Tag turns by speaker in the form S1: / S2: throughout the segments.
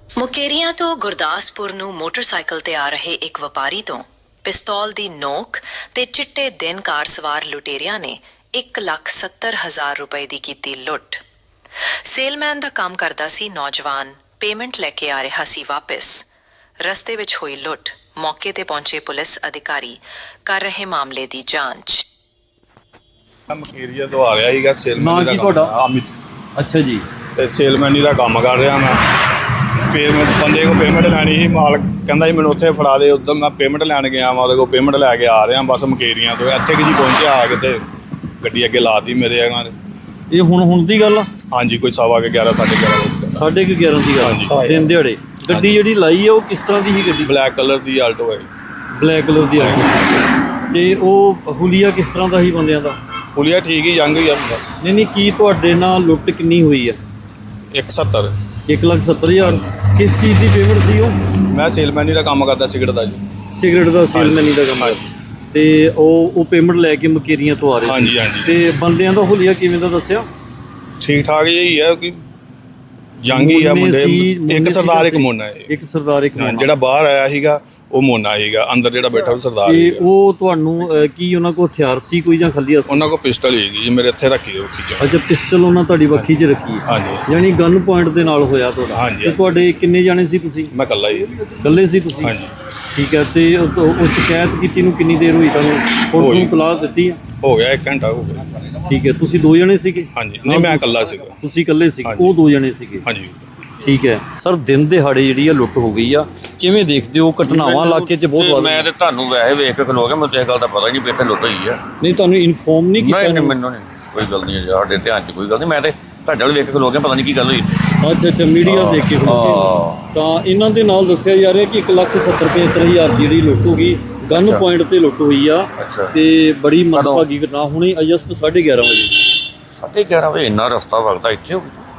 S1: ਮੁਕੇਰੀਆਂ ਤੋਂ ਗੁਰਦਾਸਪੁਰ ਨੂੰ ਮੋਟਰਸਾਈਕਲ ਤੇ ਆ ਰਹੇ ਇੱਕ ਵਪਾਰੀ ਤੋਂ ਪਿਸਤੌਲ ਦੀ ਨੋਕ ਤੇ ਚਿੱਟੇ ਦਿਨ ਕਾਰ ਸਵਾਰ ਲੁਟੇਰਿਆਂ ਨੇ 1,70,000 ਰੁਪਏ ਦੀ ਕੀਤੀ ਲੁੱਟ। ਸੇਲਮੈਨ ਦਾ ਕੰਮ ਕਰਦਾ ਸੀ ਨੌਜਵਾਨ, ਪੇਮੈਂਟ ਲੈ ਕੇ ਆ ਰਿਹਾ ਸੀ ਵਾਪਸ। ਰਸਤੇ ਵਿੱਚ ਹੋਈ ਲੁੱਟ, ਮੌਕੇ ਤੇ ਪਹੁੰਚੇ ਪੁਲਿਸ ਅਧਿਕਾਰੀ ਕਰ ਰਹੇ ਮਾਮਲੇ ਦੀ ਜਾਂਚ।
S2: ਮੁਕੇਰੀਆ ਤੋਂ ਆ ਰਿਹਾ ਸੀਗਾ ਸੇਲਮੈਨ ਦਾ।
S3: ਕੀ ਤੁਹਾਡਾ?
S2: ਅਮਿਤ।
S3: ਅੱਛਾ ਜੀ।
S2: ਤੇ ਸੇਲਮੈਨੀ ਦਾ ਕੰਮ ਕਰ ਰਿਹਾ ਮੈਂ। ਪੇਮੈਂਟ ਬੰਦੇ ਕੋਲ ਪੇਮੈਂਟ ਲੈਣੀ ਸੀ, ਮਾਲਕ ਕਹਿੰਦਾ ਸੀ ਮੈਨੂੰ ਉੱਥੇ ਫੜਾ ਦੇ। ਉੱਧਰ ਮੈਂ ਪੇਮੈਂਟ ਲੈਣ ਗਿਆ ਮੈਂ, ਉਹਦੇ ਕੋਲ ਪੇਮੈਂਟ ਲੈ ਕੇ ਆ ਰਿਹਾ ਬਸ ਮੁਕੇਰੀਆਂ ਤੋਂ। ਇੱਥੇ ਕਿ ਜੀ ਪਹੁੰਚਿਆ ਆ ਕੇ ਤੇ ਗੱਡੀ ਅੱਗੇ ਲਾਤੀ ਮੇਰੇ ਇਹਨਾਂ ਨੇ।
S3: ਇਹ ਹੁਣ ਦੀ ਗੱਲ ਆ?
S2: ਹਾਂਜੀ, ਕੋਈ 11:15 11:30
S3: 11:30 ਦੀ ਗੱਲ ਦਿਨ ਦਿਹਾੜੇ। ਗੱਡੀ ਜਿਹੜੀ ਲਾਈ ਆ ਉਹ ਕਿਸ ਤਰ੍ਹਾਂ ਦੀ ਸੀ ਗੱਡੀ?
S2: ਬਲੈਕ ਕਲਰ ਦੀ ਆਲਟੋ ਹੈ।
S3: ਬਲੈਕ ਕਲਰ ਦੀ ਆਲਟੋ। ਤੇ ਉਹ ਹੁਲੀਆ ਕਿਸ ਤਰ੍ਹਾਂ ਦਾ ਸੀ ਬੰਦਿਆਂ ਦਾ?
S2: ਹੁਲੀਆ ਠੀਕ ਹੀ ਜੰਗ ਹੀ ਆ।
S3: ਨਹੀਂ ਕੀ ਤੁਹਾਡੇ ਨਾਲ ਲੁੱਟ ਕਿੰਨੀ ਹੋਈ ਆ?
S2: 170।
S3: 1,70,000। ਕਿਸ ਚੀਜ਼ ਦੀ ਪੇਮੈਂਟ ਸੀ ਉਹ?
S2: ਮੈਂ ਸੇਲਮੈਨੀ ਦਾ ਕੰਮ ਕਰਦਾ ਸਿਗਰਟ ਦਾ ਜੀ।
S3: ਸਿਗਰਟ ਦਾ ਸੇਲਮੈਨੀ ਦਾ ਕੰਮ। ਤੇ ਉਹ ਪੇਮੈਂਟ ਲੈ ਕੇ ਮੁਕੇਰੀਆਂ ਤੋਂ ਆ ਰਹੇ ਸੀ।
S2: ਹਾਂਜੀ।
S3: ਤੇ ਬੰਦਿਆਂ ਦਾ ਹੁਲੀਆ ਕਿਵੇਂ ਦਾ ਦੱਸਿਆ?
S2: ਠੀਕ ਠਾਕ ਹੀ ਹੈ ਕਿ ਜੰਗ ਹੀ ਆ ਮੁੰਡੇ। ਇੱਕ ਸਰਦਾਰ ਇੱਕ ਮੋਨਾ ਹੈ।
S3: ਇੱਕ ਸਰਦਾਰ ਇੱਕ ਮੋਨਾ।
S2: ਜਿਹੜਾ ਬਾਹਰ ਆਇਆ ਸੀਗਾ ਉਹ ਮੋਨਾ ਸੀਗਾ, ਅੰਦਰ ਜਿਹੜਾ ਬੈਠਾ ਉਹ ਸਰਦਾਰ
S3: ਤੇ
S2: ਸੀਗਾ।
S3: ਉਹ ਤੁਹਾਨੂੰ ਕੀ ਉਹਨਾਂ ਕੋਲ ਹਥਿਆਰ ਸੀ ਕੋਈ ਜਾਂ ਖਾਲੀ ਹੱਥ?
S2: ਉਹਨਾਂ ਕੋਲ ਪਿਸਟਲ ਸੀਗੀ ਜੀ, ਮੇਰੇ ਇੱਥੇ ਰੱਖੀ ਉਹ ਖਿੱਚ।
S3: ਅੱਛਾ, ਪਿਸਟਲ ਉਹਨਾਂ ਤੁਹਾਡੀ ਵੱਖੀ 'ਚ ਰੱਖੀ ਹੈ?
S2: ਹਾਂਜੀ।
S3: ਯਾਨੀ ਗਨ ਪੁਆਇੰਟ ਦੇ ਨਾਲ ਹੋਇਆ ਤੁਹਾਡਾ?
S2: ਹਾਂਜੀ।
S3: ਤੇ ਤੁਹਾਡੇ ਕਿੰਨੇ ਜਾਣੇ ਸੀ ਤੁਸੀਂ?
S2: ਮੈਂ ਇਕੱਲਾ ਹੀ।
S3: ਇਕੱਲੇ ਸੀ ਤੁਸੀਂ?
S2: ਹਾਂਜੀ।
S3: ਠੀਕ ਹੈ। ਤੇ ਉਹ ਸ਼ਿਕਾਇਤ ਕੀਤੀ ਨੂੰ ਕਿੰਨੀ ਦੇਰ ਹੋਈ ਤੁਹਾਨੂੰ? ਪੁਲਿਸ ਨੂੰ ਇਤਲਾਹ ਦਿੱਤੀ ਹੈ?
S2: ਹੋ ਗਿਆ 1 ਘੰਟਾ ਹੋ ਗਿਆ।
S3: ਠੀਕ ਹੈ। ਤੁਸੀਂ 2 ਜਣੇ ਸੀਗੇ?
S2: ਹਾਂਜੀ। ਨਹੀਂ, ਮੈਂ ਇਕੱਲਾ ਸੀਗਾ।
S3: ਤੁਸੀਂ ਇਕੱਲੇ ਸੀ? ਉਹ 2 ਜਣੇ ਸੀਗੇ?
S2: ਹਾਂਜੀ।
S3: ਠੀਕ ਹੈ ਸਰ। ਦਿਨ ਦਿਹਾੜੇ ਜਿਹੜੀ ਆ ਲੁੱਟ ਹੋ ਗਈ ਆ, ਕਿਵੇਂ ਦੇਖਦੇ ਹੋ? ਘਟਨਾਵਾਂ ਇਲਾਕੇ 'ਚ ਬਹੁਤ ਵੱਧ
S4: ਮੈਂ ਤੇ ਤੁਹਾਨੂੰ ਵੈਸੇ ਵੇਖ ਕੇ ਖਲੋ ਗਿਆ, ਮੈਨੂੰ ਤੇ ਇਹ ਗੱਲ ਦਾ ਪਤਾ ਹੀ ਨਹੀਂ ਵੀ ਇੱਥੇ ਲੁੱਟ ਹੋਈ ਆ।
S3: ਨਹੀਂ, ਤੁਹਾਨੂੰ ਇਨਫੋਰਮ ਨਹੀਂ ਕੀਤਾ?
S4: ਨਹੀਂ, ਮੈਨੂੰ ਨਹੀਂ ਕੋਈ ਗੱਲ ਨਹੀਂ, ਸਾਡੇ ਧਿਆਨ 'ਚ ਕੋਈ ਗੱਲ ਨਹੀਂ। ਮੈਂ ਤੇ ਤੁਹਾਡੇ ਵੱਲ ਵੇਖ ਕੇ ਖਲੋ ਗਿਆ, ਪਤਾ ਨਹੀਂ ਕੀ ਗੱਲ ਹੋਈ।
S3: ਅੱਛਾ, ਮੀਡੀਆ ਦੇਖ ਕੇ ਤਾਂ ਇਹਨਾਂ ਦੇ ਨਾਲ ਦੱਸਿਆ ਜਾ ਰਿਹਾ ਕਿ 1,70,000 ਦੀ ਜਿਹੜੀ ਲੁੱਟ ਹੋ ਗਈ, ਗਨ ਪੁਆਇੰਟ ਤੇ ਲੁੱਟ ਹੋਈ ਆ। ਤੇ ਬੜੀ ਮੰਦਭਾਗੀ ਘਟਨਾ ਹੁਣੇ ਅਗਸਤ 11:30 ਵਜੇ।
S4: 11:30 ਵਜੇ ਇੰਨਾ ਰਸਤਾ ਵਗਦਾ ਇੱਥੇ ਹੋ ਗਿਆ?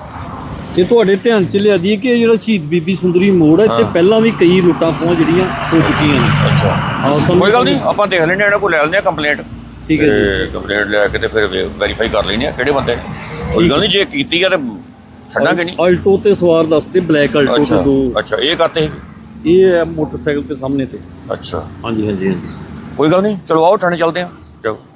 S3: ਤੇ ਤੁਹਾਡੇ ਧਿਆਨ 'ਚ ਲਿਆ ਦੀ ਕਿ ਜਿਹੜਾ ਸ਼ਹੀਦ ਬੀਬੀ ਸੁੰਦਰੀ ਮੋੜ ਹੈ, ਇੱਥੇ ਪਹਿਲਾਂ ਵੀ ਕਈ ਲੁੱਟਾਂ ਖੋਹਾਂ ਜਿਹੜੀਆਂ ਹੋ ਚੁੱਕੀਆਂ ਨੇ।
S4: ਅੱਛਾ, ਕੋਈ ਗੱਲ ਨਹੀਂ, ਆਪਾਂ ਦੇਖ ਲੈਂਦੇ ਇਹਨਾਂ ਕੋਲ, ਲੈ ਲੈਂਦੇ ਆ ਕੰਪਲੇਂਟ।
S3: ਠੀਕ ਹੈ ਜੀ।
S4: ਕੰਪਲੇਂਟ ਲੈ ਕੇ ਤੇ ਫਿਰ ਵੈਰੀਫਾਈ ਕਰ ਲੈਂਦੇ ਆ ਕਿਹੜੇ ਬੰਦੇ। ਕੋਈ ਗੱਲ ਨਹੀਂ, ਜੇ ਕੀਤੀ ਆ ਤੇ ਛੱਡਾਂਗੇ ਨਹੀਂ।
S3: ਆਲਟੋ ਤੇ ਸਵਾਰ ਦੱਸਦੇ, ਬਲੈਕ ਆਲਟੋ ਤੇ 2।
S4: ਅੱਛਾ, ਇਹ ਕਰਤੇ ਸੀ?
S3: ਇਹ ਹੈ ਮੋਟਰਸਾਈਕਲ ਤੇ ਸਾਹਮਣੇ ਤੇ।
S4: ਅੱਛਾ।
S3: ਹਾਂਜੀ।
S4: ਕੋਈ ਗੱਲ ਨਹੀਂ, ਚਲੋ ਆਓ ਥਾਣੇ ਚੱਲਦੇ ਆ। ਚਲੋ।